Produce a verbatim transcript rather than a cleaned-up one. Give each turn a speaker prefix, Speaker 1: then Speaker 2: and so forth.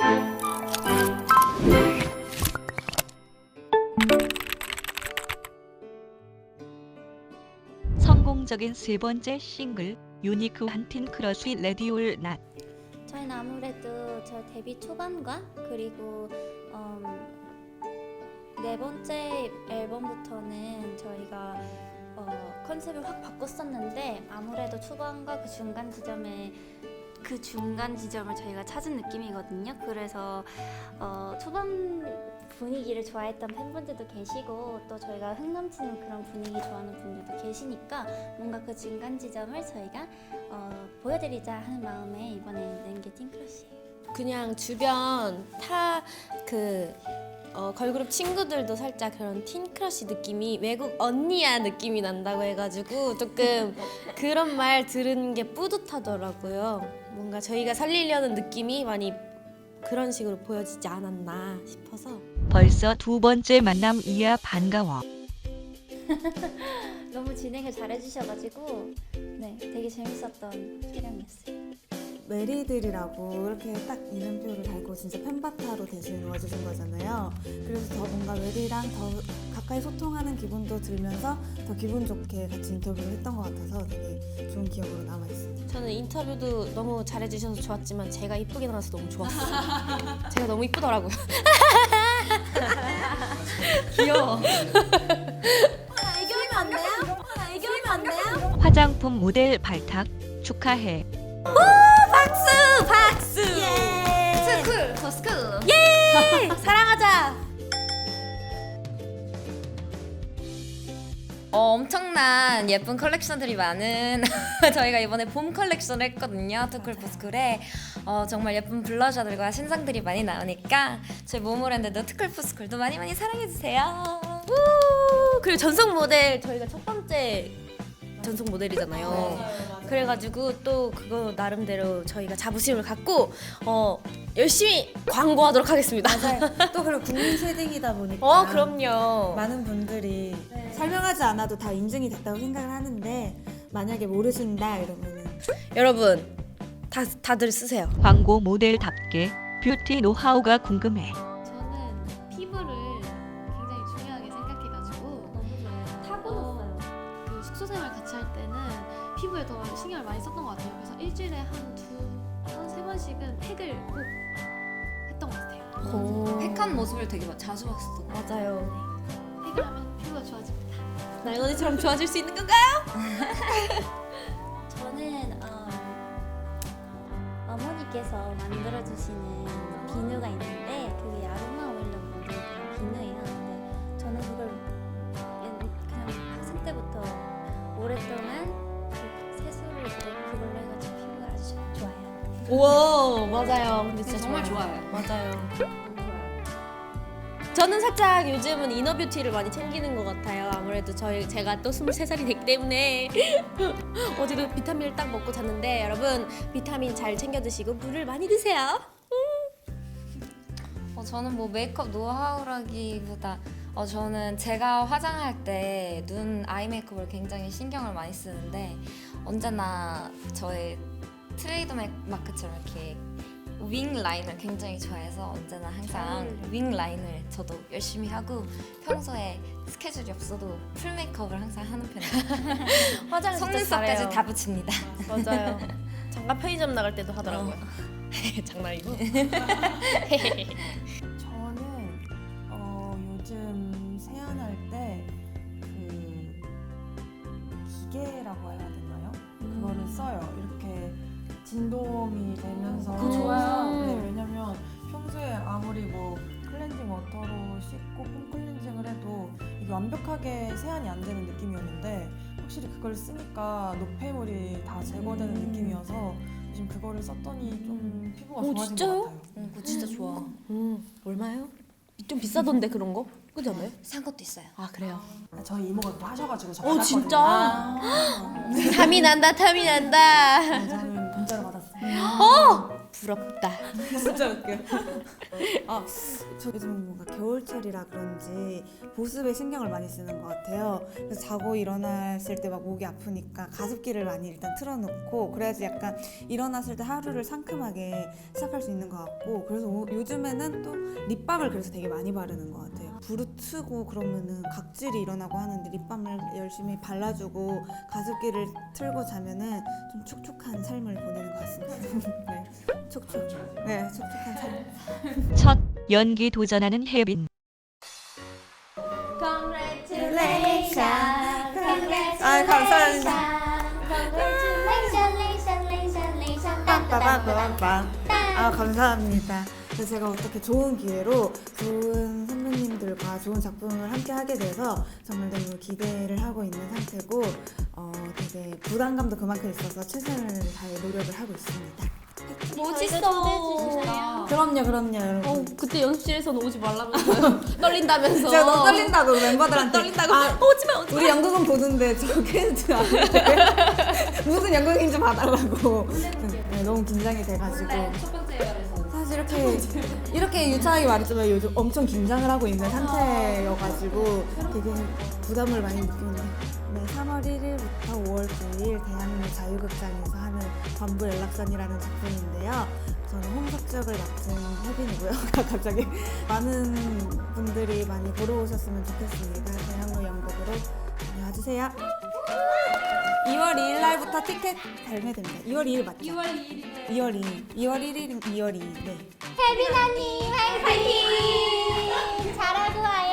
Speaker 1: 성공적인 세 번째 싱글 유니크한 틴 크러쉬 레디올 낫.
Speaker 2: 저희는 아무래도 저 데뷔 초반과 그리고 음, 네 번째 앨범부터는 저희가 어, 컨셉을 확 바꿨었는데 아무래도 초반과 그 중간 지점에 그 중간 지점을 저희가 찾은 느낌이거든요. 그래서 어, 초반 분위기를 좋아했던 팬분들도 계시고 또 저희가 흥 넘치는 그런 분위기 좋아하는 분들도 계시니까 뭔가 그 중간 지점을 저희가 어, 보여드리자 하는 마음에 이번에 낸 게 틴크러쉬예요.
Speaker 3: 그냥 주변 타 그 어, 걸그룹 친구들도 살짝 그런 틴크러쉬 느낌이 외국 언니야 느낌이 난다고 해가지고 조금 그런 말 들은 게 뿌듯하더라고요. 뭔가 저희가 살리려는 느낌이 많이 그런 식으로 보여지지 않았나 싶어서.
Speaker 1: 벌써 두 번째 만남 이야 반가워.
Speaker 2: 너무 진행을 잘해주셔가지고 네 되게 재밌었던 촬영이었어요.
Speaker 4: 메리들이라고 이렇게 딱 이름표를 달고 진짜 팬바타로 대신 와주신 거잖아요. 그래서 더 뭔가 메리랑 더 가까이 소통하는 기분도 들면서 더 기분 좋게 같이 인터뷰를 했던 것 같아서 되게 좋은 기억으로 남아있습니다.
Speaker 3: 저는 인터뷰도 너무 잘해주셔서 좋았지만 제가 이쁘게 나와서 너무 좋았어요. 제가 너무 이쁘더라고요. 귀여워.
Speaker 2: 애교하면 안 돼요? 애교하면 안 돼요?
Speaker 1: 화장품 모델 발탁 축하해.
Speaker 3: 박수! 박수!
Speaker 2: 예! 스쿨! 더 스쿨!
Speaker 3: 예! 사랑하자!
Speaker 5: 어, 엄청난 예쁜 컬렉션들이 많은 저희가 이번에 봄 컬렉션을 했거든요. 투쿨푸스쿨에 어, 정말 예쁜 블러셔들과 신상들이 많이 나오니까 저희 모모랜드도 투쿨푸스쿨도 많이 많이 사랑해주세요.
Speaker 3: 우! 그리고 전속 모델 저희가 첫 번째 전속 모델이잖아요. 그래가지고 또 그거 나름대로 저희가 자부심을 갖고 어, 열심히 광고하도록 하겠습니다.
Speaker 4: 맞아요. 또 그리고 국민 쉐딩이다 보니까
Speaker 3: 어, 그럼요.
Speaker 4: 많은 분들이 설명하지 않아도 다 인증이 됐다고 생각을 하는데 만약에 모르신다 이러면은
Speaker 3: 여러분 다 다들 쓰세요.
Speaker 1: 광고 모델답게 뷰티 노하우가 궁금해.
Speaker 6: 저는 피부를 굉장히 중요하게 생각해가지고
Speaker 2: 타고났어요.
Speaker 6: 그 숙소 생활 같이 할 때는 피부에 더 신경을 많이 썼던 것 같아요. 그래서 일주일에 한 두, 한 세 번씩은 팩을 꼭 했던 것 같아요.
Speaker 3: 오.
Speaker 5: 팩한 모습을 되게 자주 봤었던 것 같아요.
Speaker 3: 맞아요.
Speaker 6: 팩을 하면 피부가 좋아집니다.
Speaker 3: 나연 언니처럼 좋아질 수 있는 건가요?
Speaker 2: 저는 어, 어머니께서 만들어주시는 비누가 있는데 그게 아로마 오일로 만든 그런 비누예요. 근데 저는 그걸 그냥 학생 때부터 오랫동안 그 세수를 이제 그걸로 해가지고 피부가 아주 좋아요.
Speaker 3: 우와 맞아요. 근데 진짜
Speaker 5: 정말
Speaker 3: 좋아요.
Speaker 5: 좋아요.
Speaker 3: 맞아요. 저는 살짝 요즘은 이너뷰티를 많이 챙기는 것 같아요. 아무래도 저희 제가 또 스물세 살이 됐기 때문에 어제도 비타민을 딱 먹고 잤는데 여러분 비타민 잘 챙겨 드시고 물을 많이 드세요.
Speaker 5: 어, 저는 뭐 메이크업 노하우라기보다 어, 저는 제가 화장할 때 눈 아이 메이크업을 굉장히 신경을 많이 쓰는데 언제나 저의 트레이드 마크처럼 이렇게 윙 라인을 굉장히 좋아해서 언제나 항상 윙 라인을 저도 열심히 하고 평소에 스케줄이 없어도 풀 메이크업을 항상 하는 편이에요.
Speaker 3: 화장 진짜
Speaker 5: 속눈썹까지
Speaker 3: 잘해요.
Speaker 5: 다 붙입니다.
Speaker 3: 맞아요. 잠깐 편의점 나갈 때도 하더라고요. 장난이고.
Speaker 4: 저는 어, 요즘 세안할 때 그 기계라고 해야 되나요? 그거를 써요. 이렇게 진동이 되면서
Speaker 3: 그거 좋아요.
Speaker 4: 네, 왜냐면 평소에 아무리 뭐 클렌징 워터로 씻고 폼 클렌징을 해도 이게 완벽하게 세안이 안 되는 느낌이었는데 확실히 그걸 쓰니까 노폐물이 다 제거되는 느낌이어서 요즘 그거를 썼더니 좀 피부가
Speaker 3: 오,
Speaker 4: 좋아진
Speaker 3: 진짜요?
Speaker 4: 것 같아요.
Speaker 5: 어, 그거 진짜 좋아.
Speaker 3: 음 얼마요? 좀 비싸던데 그런 거? 그지 않아요?
Speaker 5: 산 것도 있어요.
Speaker 3: 아 그래요?
Speaker 4: 저희 이모가 그거 하셔가지고 저
Speaker 3: 어,
Speaker 4: 받았거든요.
Speaker 3: 진짜?
Speaker 4: 아.
Speaker 3: 탐이 난다 탐이 난다.
Speaker 4: 네, 저는 문자로 받았어요.
Speaker 3: 어 부럽다.
Speaker 4: 진짜 웃겨. 아, 저 요즘 뭔가 겨울철이라 그런지 보습에 신경을 많이 쓰는 것 같아요. 그래서 자고 일어났을 때 막 목이 아프니까 가습기를 많이 일단 틀어놓고 그래야지 약간 일어났을 때 하루를 상큼하게 시작할 수 있는 것 같고 그래서 오- 요즘에는 또 립밤을 그래서 되게 많이 바르는 것 같아요. 부르트고 그러면은 각질이 일어나고 하는데 립밤을 열심히 발라주고 가습기를 틀고 자면은 좀 촉촉한 삶을 보내는 것 같습니다. 네. 촉촉. 네, 촉촉한 삶.
Speaker 1: 첫 연기 도전하는 혜빈.
Speaker 2: Congratulations,
Speaker 4: 아, 감사합니다.
Speaker 2: Congratulations, Congratulations,
Speaker 4: 빠빠빠빠빠. 아, 감사합니다. 그래서 제가 어떻게 좋은 기회로 좋은 선배님들과 좋은 작품을 함께 하게 돼서 정말 너무 기대를 하고 있는 상태고 어, 되게 부담감도 그만큼 있어서 최선을 다해 노력을 하고 있습니다.
Speaker 3: 멋있어.
Speaker 4: 그럼요, 그럼요, 여러분.
Speaker 3: 어, 그때 연습실에서는 오지 말라면서요. 떨린다면서.
Speaker 4: 제가 너무 떨린다고 멤버들한테
Speaker 3: 떨린다고.
Speaker 4: 아,
Speaker 3: 오지마 오지마.
Speaker 4: 우리 연극은 보는데 저 퀴즈 안 돼. 무슨 연극인지 봐달라고. 네, 너무 긴장이 돼가지고.
Speaker 3: 첫 번째 말에서.
Speaker 4: 사실 이렇게 이렇게 유창하게 말했지만 요즘 엄청 긴장을 하고 있는 상태여가지고 되게 부담을 많이 느끼는데 네, 삼월 일일부터 오월 구일 대학로 자유극장에서 하는 관부 연락선이라는 작품인데요. 저는 홍석 역을 맡은 혜빈이고요. 갑자기 많은 분들이 많이 보러 오셨으면 좋겠습니다. 대학로 연극으로 많이 와주세요. 이월 이일 날부터 티켓 발매됩니다. 이월 이일 맞죠? 이월 이일. 이월 이일. 이월 일일. 이월 이일. 네.
Speaker 2: 혜빈 언니 화이팅! 잘하고 와요.